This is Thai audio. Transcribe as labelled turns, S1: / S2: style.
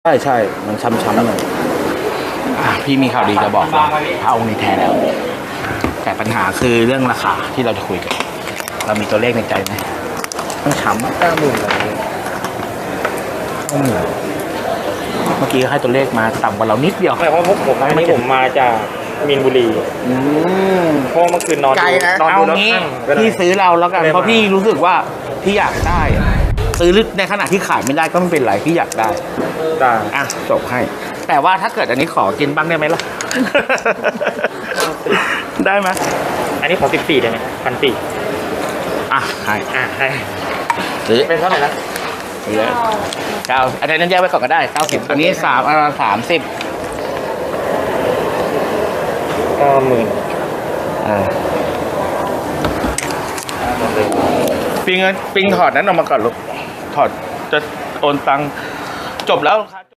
S1: ใช่มันช้ำๆหน่อยพี่มีข่าวดีจะบอกนะพระองค์นี้แท้แล้ว แต่ปัญหาคือเรื่องราคาที่เราจะคุยกันเรามีตัวเลขในใจไหมต้องช้ำ90,000เลยเมื่อกี้ให้ตัวเลขมาต่ำกว่าเรานิดเดียว
S2: ไม่เพราะผมอันนี้ผมมาจากมีนบุรีเพราะเมื่อคืนนอน
S1: ไกลนะ
S2: นอน
S1: เอา
S2: ดูแล้ว
S1: งี้
S2: ข้าง
S1: พี่ซื้อเราแล้วกัน
S2: ไม่
S1: เพราะพี่รู้สึกว่าพี่อยากได้อะซื้อในขณะที่ขายไม่ได้ก็ไม่เป็นไรพี่อยากได้
S2: ได้
S1: อ่ะจบให้ แต่ว่าถ้าเกิดอันนี้ขอกินบ้างได้ไหมล่ะ ได้ไหม
S2: อันนี้ขอ14ได้ไหม1,400
S1: อ่ะให้
S2: ให้
S1: ซื้อ
S2: เป็นเท่าไหร่นะ
S1: ซื้อ9อันนั้นแยกไว้ก่อนก็ได้90อันนี้30
S2: ก็10,000
S1: ปิงถอดนั้นออกมาก่อนลูกถอดจะโอนตังค์จบแล้วครับ